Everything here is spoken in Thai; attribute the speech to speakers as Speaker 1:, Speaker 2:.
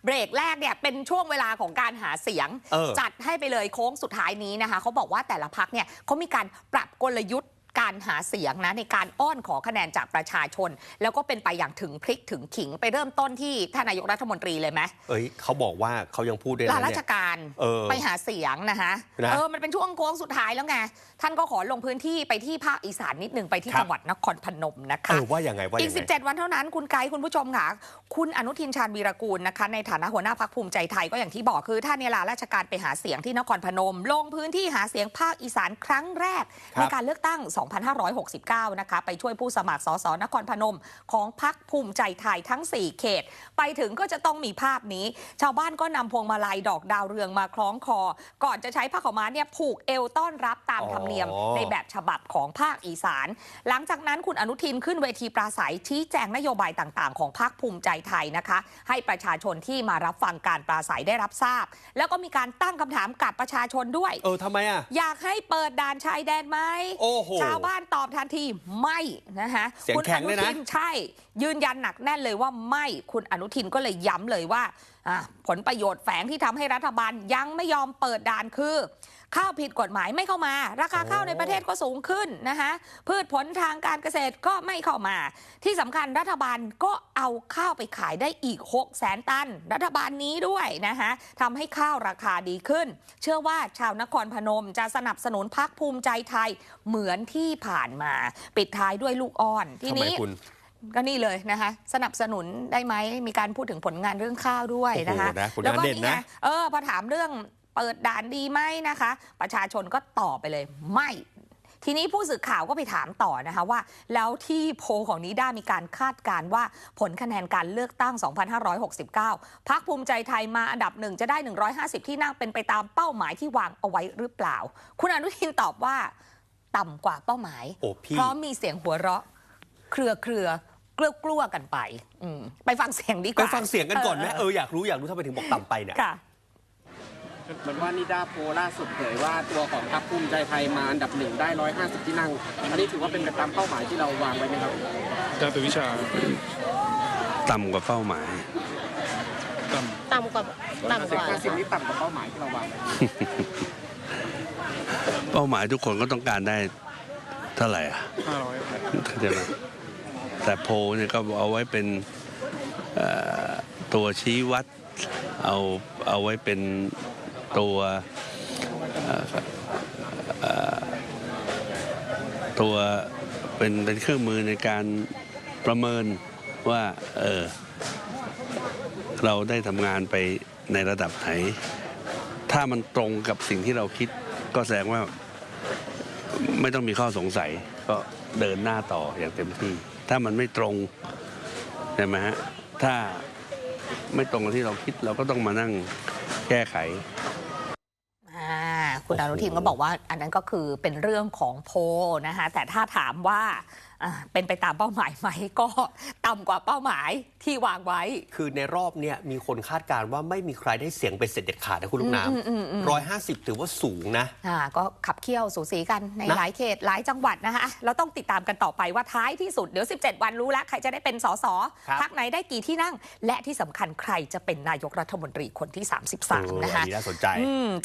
Speaker 1: เบรกแรกเนี่ยเป็นช่วงเวลาของการหาเสียงจัดให้ไปเลยโค้งสุดท้ายนี้นะคะเขาบอกว่าแต่ละพรรคเนี่ยเขามีการปรับกลยุทธ์การหาเสียงนะในการอ้อนขอคะแนนจากประชาชนแล้วก็เป็นไปอย่างถึงพริกถึงขิงไปเริ่มต้นที่ท่านนายกรัฐมนตรีเลยไหม
Speaker 2: เขาบอกว่าเขายังพูดได้
Speaker 1: ลาราชการไปหาเสียงนะคะมันเป็นช่วงโค้งสุดท้ายแล้วไงท่านก็ขอลงพื้นที่ไปที่ภาคอีสานนิดนึงไปที่จังหวัดนครพนมนะคะ
Speaker 2: ว่าอย่างไง
Speaker 1: อีก17 วันเท่านั้นคุณไกด์คุณผู้ชมค่ะคุณอนุทินชาญวีรกูลนะคะในฐานะหัวหน้าพรรคภูมิใจไทยก็อย่างที่บอกคือท่านเนี่ยลาราชการไปหาเสียงที่นครพนมลงพื้นที่หาเสียงภาคอีสานครั้งแรกในการเลือกตั้ง 2569 นะคะไปช่วยผู้สมัครสสนครพนมของพรรคภูมิใจไทยทั้ง4 เขตไปถึงก็จะต้องมีภาพนี้ชาวบ้านก็นำพวงมาลัยดอกดาวเรืองมาคล้องคอก่อนจะใช้ผ้าขาวม้าเนี่ยผูกเอวต้อนรับตามธรรมเนียมในแบบฉบับของภาคอีสานหลังจากนั้นคุณอนุทินขึ้นเวทีปราศัยชี้แจงนโยบายต่างๆของพรรคภูมิใจไทยนะคะให้ประชาชนที่มารับฟังการปราศัยได้รับทราบแล้วก็มีการตั้งคำถามกับประชาชนด้วย
Speaker 2: ทำไมอ่ะ
Speaker 1: อยากให้เปิดด่านชายแดนไหมชาวบ้านตอบทันทีไม่นะคะ
Speaker 2: คุณอนุทิน
Speaker 1: ใช่ยืนยันหนักแน่นเลยว่าไม่คุณอนุทินก็เลยย้ำเลยว่าผลประโยชน์แฝงที่ทำให้รัฐบาลยังไม่ยอมเปิดด่านคือข้าวผิดกฎหมายไม่เข้ามาราคาข้าวในประเทศก็สูงขึ้นนะคะพืชผลทางการเกษตรก็ไม่เข้ามาที่สำคัญรัฐบาลก็เอาข้าวไปขายได้อีก 600,000 ตันรัฐบาลนี้ด้วยนะคะทำให้ข้าวราคาดีขึ้นเชื่อว่าชาวนครพนมจะสนับสนุนพรรคภูมิใจไทยเหมือนที่ผ่านมาปิดท้ายด้วยลูกอ้อนทีนี้ก็นี่เลยนะคะสนับสนุนได้ไหมมีการพูดถึงผลงานเรื่องข้าวด้วยนะคะ
Speaker 2: แล้วก็นี่ไง
Speaker 1: พอถามเรื่องเปิดด่านดีไหมนะคะประชาชนก็ตอบไปเลยไม่ทีนี้ผู้สื่อข่าวก็ไปถามต่อนะคะว่าแล้วที่โพลของนิด้ามีการคาดการณ์ว่าผลคะแนนการเลือกตั้ง 2569 พรรคภูมิใจไทยมาอันดับ1จะได้150ที่นั่งเป็นไปตามเป้าหมายที่วางเอาไว้หรือเปล่าคุณอนุทินตอบว่าต่ำกว่าเป้าหมายเพราะมีเสียงหัวเราะเครือกลัวกันไปไปฟังเสียงดีกว่า
Speaker 2: ไปฟังเสียงกันก่อนไหมอยากรู้ทำไมถึงบอกต่ำไปเนี่ย
Speaker 3: เหมือนว่านิดาโพล่าสุดเผยว่าตัวของพรรคภูมิใจไทยมาอันดับ1ได้150ที่นั่งอันนี้ถือว่าเป็นไปตามเป้าหมายที่เราวางไว้ไหมครับ
Speaker 4: อาจารย์ตุวิชา
Speaker 5: ต่ำกว่าเป้าหมาย
Speaker 3: ต่ำกว่า50นี้ต่ำกว่าเป้าหมายที่เราวางไว้
Speaker 5: เป้าหมายทุกคนก็ต้องการได้เท่าไหร่
Speaker 4: 500
Speaker 5: ใช่ไหมแต่โพเนี่ยก็เอาไว้เป็นตัวชี้วัดเอาไว้เป็นตัวเป็นเครื่องมือในการประเมินว่าเราได้ทำงานไปในระดับไหนถ้ามันตรงกับสิ่งที่เราคิดก็แสดงว่าไม่ต้องมีข้อสงสัยก็เดินหน้าต่ออย่างเต็มที่ถ้ามันไม่ตรงใช่ไหมฮะถ้าไม่ตรงกับที่เราคิดเราก็ต้องมานั่งแก้ไข
Speaker 1: คุณอนุทินก็บอกว่าอันนั้นก็คือเป็นเรื่องของโพลนะคะแต่ถ้าถามว่าเป็นไปตามเป้าหมายไหมก็ต่ำกว่าเป้าหมายที่วางไว้
Speaker 2: คือในรอบเนี้ยมีคนคาดการณ์ว่าไม่มีใครได้เสียงเป็นเสร็จเด็ดขาดนะคุณลูกน้ำ150ถือว่าสูงนะ
Speaker 1: ก็ขับเคี่ยวสูสีกันในหลายเขตหลายจังหวัดนะคะเราต้องติดตามกันต่อไปว่าท้ายที่สุดเดี๋ยว17 วันรู้แล้วใครจะได้เป็นสสพรรคไหนได้กี่ที่นั่งและที่สำคัญใครจะเป็นนายกรัฐมนตรีคนที่33นะคะ
Speaker 2: น่าสนใจ